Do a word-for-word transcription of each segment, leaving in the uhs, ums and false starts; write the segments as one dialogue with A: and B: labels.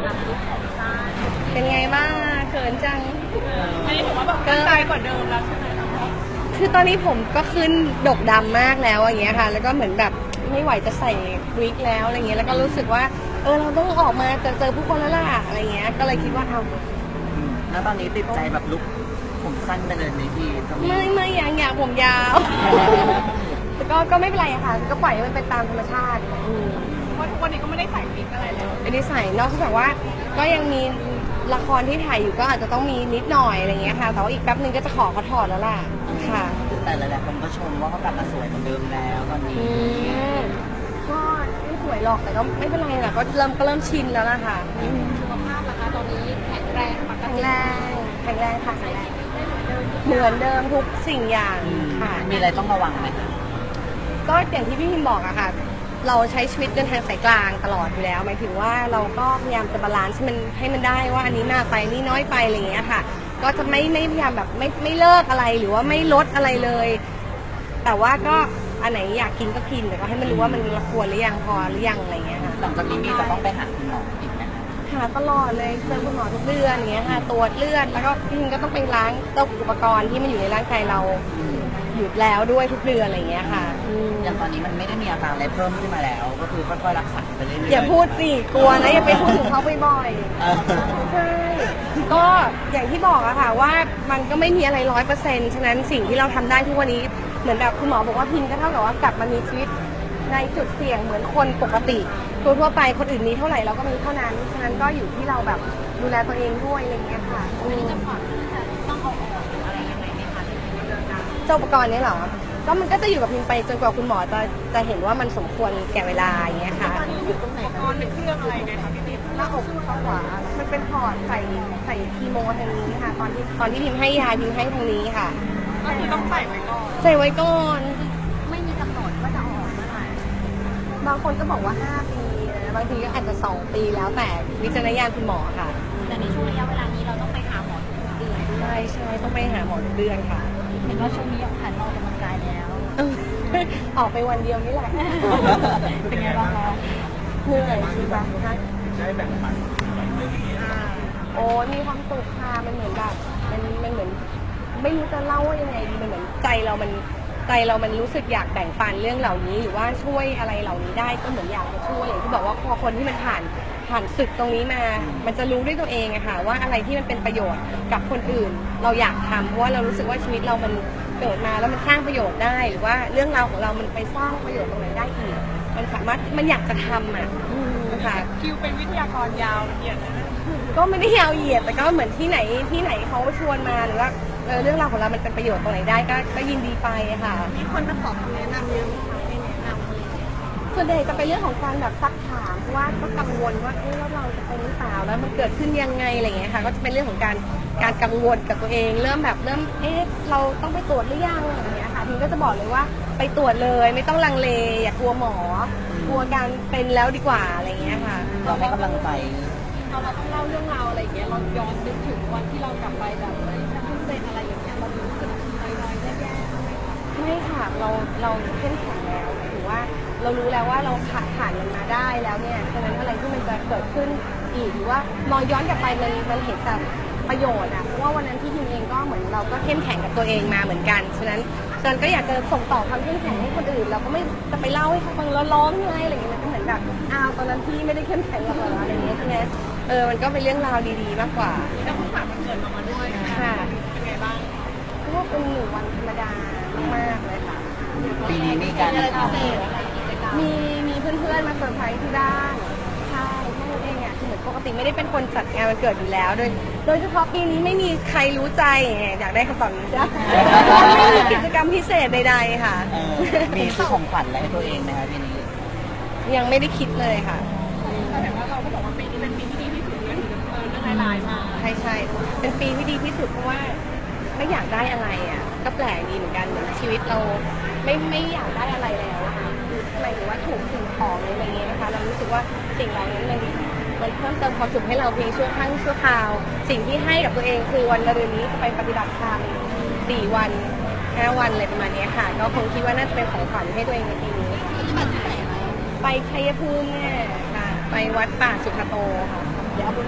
A: กับลุคผมสั้น
B: เป็นไงบ้างเขินจัง
A: อันนี้ถือว่าแบบตั้งใจกว่าเดิมแล้วใช่ไหมคะ
B: คือตอนนี้ผมก็ขึ้นดกดำมากแล้วอย่างเงี้ยค่ะแล้วก็เหมือนแบบไม่ไหวจะใส่วิกแล้วอะไรเงี้ยแล้วก็รู้สึกว่าเออเราต้องออกมาเจอเจอผู้คนแล้วล่ะอะไรเงี้ยก็เลยคิดว่าเอา
C: แล้วตอนนี้ติดใจแบบลุคผมสั้นไปเลยไหมพี่จะมี
B: ไม่ไม่อยากอยากผมยาวแต่ก็ก็ไม่เป็นไรอะค่ะก็ปล่อยให้มันเป็นตามธรรมชาติ
A: เพราะทุกวันนี้ก็ไม่ได้ใส่วิกอะไรเลย
B: ไม่ได้ใส่นอกจากว่าก็ยังมีละครที่ถ่ายอยู่ก็อาจจะต้องมีนิดหน่อยอะไรเงี้ยค่ะแต่ว่าอีกแป๊บนึงก็จะขอเขาถอดแล้วล่ะค่ะ
C: แต่หลายๆคนก็ชมว่าเขากลับมาสวยเหมือนเดิมแล้วตอนนี้
B: ก็ไม่สวยหรอกแต่ก็ไม่เป็นไรหรอกก็เริ่มก็เริ่มชินแล้วล่ะค่ะ
A: สุขภาพล่ะคะตอนนี้แข็งแรงปก
B: แข็ง
A: ติ
B: แรงแข็งแรงค่ะแข็งแรงเหมือนเดิมทุกสิ่งอย่างค่ะ
C: มีอะไรต้องระวังไหม
B: ก็อย่างที่พี่พิมบอกอะค่ะเราใช้ชีวิตเดินทางสายกลางตลอดอยู่แล้วหมายถึงว่าเราก็พยายามจะบาลานซ์ให้มันให้มันได้ว่าอันนี้มากไปนี่น้อยไปอะไรอย่างเงี้ยค่ะก็จะไม่ไม่พยายามแบบไม่ไม่เลิกอะไรหรือว่าไม่ลดอะไรเลย แต่ว่าก็อันไหนอยากกินก็กินแต่ก็ให้มันรู้ว่ามันควรหรือยังพอหรือยังอะไรเงี้ยค่ะ
C: หลังจากนี้มีจะต้องไปหาคุณหมออีกไหมคะ
B: หาตลอดเลยเจอคุณหมอทุกเดือนอย่างเงี้ยค่ะตรวจเลือดแล้วก็พี่พิมก็ต้องไปล้างเจ้าอุปกรณ์ที่มันอยู่ในร่างกายเราหยุดแล้วด้วยทุกเดือนอะไรเงี้ยค่ะ
C: อย่างตอนนี้มันไม่ได้มีอาการอะไรเพิ่มขึ้นมาแล้ว ก็คือค่อยๆรักษาไปเรื่อยๆ
B: อย่าพูดสิกลัวนะอย่าไปพูดถึงเขาบ่อยๆใช่ก็อย่างที่บอกอะค่ะว่ามันก็ไม่มีอะไรร้อยเปอร์เซ็นต์ฉะนั้นสิ่งที่เราทำได้ทุกวันนี้เหมือนแบบคุณหมอบอกว่าพิมก็เท่ากับว่ากลับมามีชีวิตในจุดเสี่ยงเหมือนคนปกติตัวทั่วไปคนอื่นมีเท่าไหร่เราก็มีเท่านั้นฉะนั้นก็อยู่ที่เราแบบดูแลตัวเองด้วยอะไรเงี้ยค่ะ
A: จะผ่อนจะต้องเอาออกอะไรยังไงไหมคะ
B: เจ้าอุปกรณ์นี้เหรอก็มันก็จะอยู่กับพิมไปจนกว่าคุณหมอจะจะเห็นว่ามันสมควรแก่เวลาอย่างเงี้ยค่ะ
A: อยู่ตรงไหนอุปกรณ์เป็นเครื่องอะไรไงคะพี่พิม
B: หน้าอกข้างขวามันเป็นพอร์ตใส่ใส่คีโมทางนี้ค่ะตอนที่ตอนที่พิมให้ยาพิมให้ทางนี้ค่ะ
A: ก็คือต้องใส่ไว้ก่อน
B: ใส่ไว้ก่อน
A: ไม่มีกำหนดว่าจะออกเมื่อไหร่
B: บางคนก็บอกว่าห้าปีบางทีก็อาจจะสองปีแล้วแต่วิจารณญาณคุณหมอค่ะ
A: แต่ในช่วงระยะเวลานี้เราต้องไปหาหมอทุกเดือน
B: ใช่ใช่ต้องไปหาหมอทุกเดือนค่ะ
A: เห็นว่าช่วงนี้หันออกกำลังกายแล้ว
B: ออกไปวันเดียวนี่แหละ
A: เป็นไงบ้างคะ
B: เหนื่อยใช่ปะ
C: ใช่แบ่งปัน
B: โอ้มีความสุขค่ะมันเหมือนแบบมันมันเหมือนไม่รู้จะเล่าว่ายังไงดีมันเหมือนใจเรามันใจเรามันรู้สึกอยากแบ่งปันเรื่องเหล่านี้หรือว่าช่วยอะไรเหล่านี้ได้ก็เหมือนอยากจะช่วยอย่างที่บอกว่าพอคนที่มันผ่านผ่านศึกตรงนี้มามันจะรู้ด้วยตัวเองอะค่ะว่าอะไรที่มันเป็นประโยชน์กับคนอื่นเราอยากทำเพราะว่าเรารู้สึกว่าชีวิตเรามันเกิดมาแล้วมันสร้างประโยชน์ได้หรือว่าเรื่องราวของเรามันไปสร้างประโยชน์ตรงไหนได้อีกมันสามารถมันอยากจะทำอะค่ะ
A: คิวเป็นวิทยากรยาวละเอียดนะ
B: ก็ไม่ได้ยาวเหยียดแต่ก็เหมือนที่ไหนที่ไหนเขาชวนมาหรือว่าเออเรื่องราวของเรามันเป็นประโยชน์ตรงไหนได้ก็ก็ยินดีไปค่ะ
A: มีคนมาขอคำแนะนำเยอะไหมคะให้แนะนำอะไร
B: ส่วนใหญ่จะเป็นเรื่องของการแบบซักถามเพราะว่าก็กังวลว่าเอ๊ะแล้วเราจะเป็นหรือเปล่าแล้วมันเกิดขึ้นยังไงอะไรเงี้ยค่ะก็จะเป็นเรื่องของการการกังวลกับตัวเองเริ่มแบบเริ่มเอ๊ะเราต้องไปตรวจหรือยังอะไรเงี้ยค่ะทีก็จะบอกเลยว่าไปตรวจเลยไม่ต้องลังเลอย่ากลัวหมอกลัวการเป็นแล้วดีกว่าอะไรเงี้ยค่ะ
C: เราให้กำลังใจ
A: เราเราต้องเล่าเรื่องราวอะไรอย่างเงี้ยเราย้อนนึกถึงวันที่เรากลับไปแบบเฮ้ยฉันเพิ่งเป็นอะไรอย่างเงี้ยเรารู้สึกน้อยๆแย่ๆ
B: ไม่ค่ะเราเราเข้มแข็งแล้วหมายถึงว่าเรารู้แล้วว่าเราผ่านผ่านมันมาได้แล้วเนี่ยฉะนั้นอะไรที่มันจะเกิดขึ้นอีกหรือว่ามองย้อนกลับไปมันมันเห็นแต่ประโยชน์อะเพราะว่าวันนั้นที่ทีมเองก็เหมือนเราก็เข้มแข็งกับตัวเองมาเหมือนกันฉะนั้นฉะนั้นก็อยากจะส่งต่อความเข้มแข็งให้คนอื่นเราก็ไม่จะไปเล่าให้เขาฟังแล้วร้องไห้อะไรอย่างเงี้ยมันก็เหมือนแบบอ้าวตอนนั้นพี่ไม่ได้เข้มแข็งหรอกเหรออะไรอย่างเงี้ยใช่ไหมเออมันก็เป็นเรื่องราวดีๆมากกว่า
A: แล้วผู้ผ่านมันเกิดมาด้วย
B: ค่ะ
A: เป็นไงบ้าง
B: ก็เป็นหนึ่งวันธรรมดามากๆเลยค่ะ
C: ปีนี้มีการ
B: มีมีเพื่อนๆมาเซอร์ไพรส์ที่บ้านใช่พวกเราเองอ่ะคือเหมือนปกติไม่ได้เป็นคนจัดงานวันเกิดอยู่แล้วโดยโดยเฉพาะปีนี้ไม่มีใครรู้ใจอยากได้คำตอบนี้จ้ะไม่มีกิจกรรมพิเศษใดๆค่ะ
C: มีซื้อของขวัญอะไรให้ตัวเองไหมคะปีนี้
B: ยังไม่ได้คิดเลยค่ะ
A: แต่เห็นว่าเราก็บอกว่าปีนี้เป็นปีที่ดีที่สุดเลยถึงเออเรื่องร้ายๆมา
B: ใช่ใช่เป็นปีที่ดีที่สุดเพราะว่าไม่อยากได้อะไรอ่ะก็แปลกดีเหมือนกันเหมือนชีวิตเราไม่ไม่อยากได้อะไรแล้วอะค่ะหมายถึงว่าถูกสิ่งของอะไรอย่างเงี้ยนะคะเรารู้สึกว่าสิ่งเหล่านี้มันมันเพิ่มเติมความสุขให้เราเพียงชั่วครั้งชั่วคราวสิ่งที่ให้กับตัวเองคือวันมะรืนนี้จะไปปฏิบัติธรรมสี่วันห้าวันอะไรประมาณนี้ค่ะก็คงคิดว่าน่าจะเป็นของขวัญให้ตัวเองในปีนี้ไปชัยภูมิเนี่ยค่ะไปวัดป่าสุขโตค่ะ
A: เดี๋ยวเอาบุญ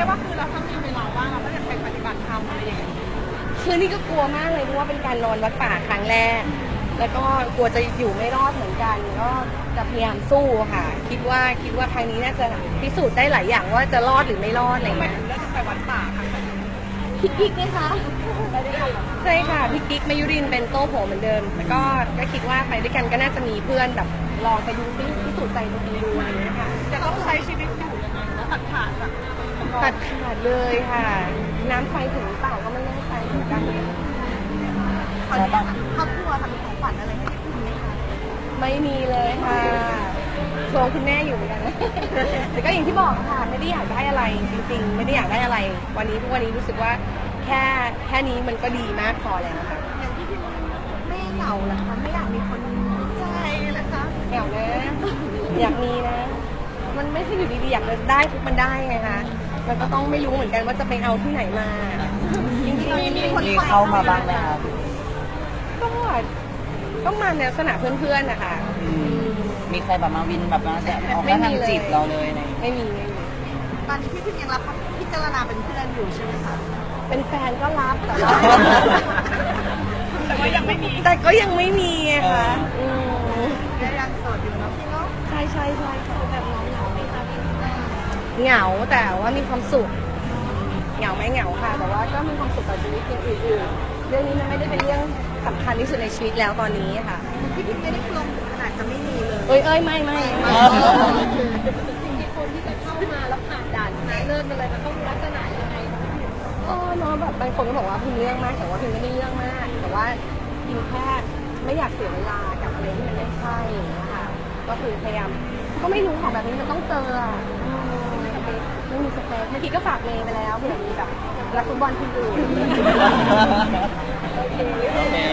A: ได้ว่าคือเราถ้ามีเวลาว่างเราก็จะไปปฏิบัติธรรมอะไรอย่างเงี้ย
B: คือนี่ก็กลัวมากเลยเพราะว่าเป็นการนอนวัดป่าครั้งแรก แล้วก็กลัวจะอยู่ไม่รอดเหมือนกัน ก็จะพยายามสู้ค่ะ คิดว่าคิดว่าครั้งนี้น่าจะพิสูจน์ได้หลายอย่างว่าจะรอดหรือไม่รอดอะไรเงี้ย
A: แล้วจะไปวัดป่าค่ะ
B: พี่กิ๊กไหมคะใช่ค่ะพี่กิ๊กมายุรินทร์เป็นโต้โผเหมือนเดิมแล้วก็ก็คิดว่าไปด้วยกันก็น่าจะมีเพื่อนแบบลองไปดูซิพิสูจน์ใจตัวเองดูอะไรเงี้ยค่ะ
A: จะต้องใช้ชีวิตอยู่ยังไงแล้วตัดขาดแบบ
B: ตัดขาดเลยค่ะ น้ำไฟถึงหรือเปล่าก็ไม่แน่ใจเหมือนกัน
A: ตอนนี้ครอบครัวทำของขวัญอะไรให้คุณไหมคะ
B: ไม่มีเลยค่ะชวงคุณแม่อยู่เหมือนกันนะ แต่ก็อย่างที่บอกค่ะไม่ได้อยากได้อะไรจริงๆ ไม่ได้อยากได้อะไร วันนี้ทุกวันนี้รู้สึกว่าแค่แค่นี้มันก็ดีมากพอแล้วค่ะ
A: อย่างที่พี่บอกไม่เหงาเหรอคะไม่อยากมีคนใจเหรอคะ
B: แอวนะอยากมีนะ มันไม่ใช่อยู่ดีๆอยากจะได้ทุกมันได้ไงคะมันก็ต้องไม่รู้เหมือนกันว่าจะไปเอาที่ไหนมาจริงๆ
C: มีเข้ามาบ้างไหมครับ
B: ก็ต้องมาในลักษณะเพื่อนๆนะคะ
C: มีใครแบบมาวินแบบมาจะออกมาทางจีบเราเลยเนี่ย
B: ไม่มีไม่มี
A: ตอนนี้พี่พิมยังรับพิจารณาเป็นเพื่อนอยู่ใช่ไหมคะ
B: เป็นแฟนก็รับแต่ว่า
A: แต่ว่ายังไม่มี
B: แต่ก็ยังไม่มีอะค่ะม
A: ยังโสดอยู่เนาะพี่เนาะ
B: ใช่ใช่ใช่ค่ะ
A: แบบน้องเหงาไหมคะพี่
B: เหงาแต่ว่ามีความสุขเหงาไหมเหงาค่ะ แต่ว่าก็มีความสุขกับชีวิตอย่างอื่นๆเรื่องนี้มันไม่ได้เป็นเรื่องสำคัญที่สุดในชีวิตแล้วตอนนี้ค่ะ
A: พี่พิมไม่ได้ปลงขนาดจะไม่มีเลย
B: เอ้ยเอ้ยไม่ไม่ไม่
A: จริงๆคนที่จะเข้ามาแล้วผ่านด่านชนะเลิศมาเลยมันต้องลักษณะยังไง
B: เออเนาะแบบบางคนก็บอกว่าพิมเรื่องมากแต่ว่าพิมไม่ได้เรื่องมาก แต่ว่าพิมแค่ไม่อยากเสียเวลากับอะไรที่มันไม่ใช่นะคะก็คือพยายามก็ไม่รู้ของแบบนี้มันต้องเจออะอืมไม่มีสเปคเมื่อกี้ก็ฝากเมย์ไปแล้วเผื่อมีแบบรักฟุตบอลทีมอื่น
C: โอเค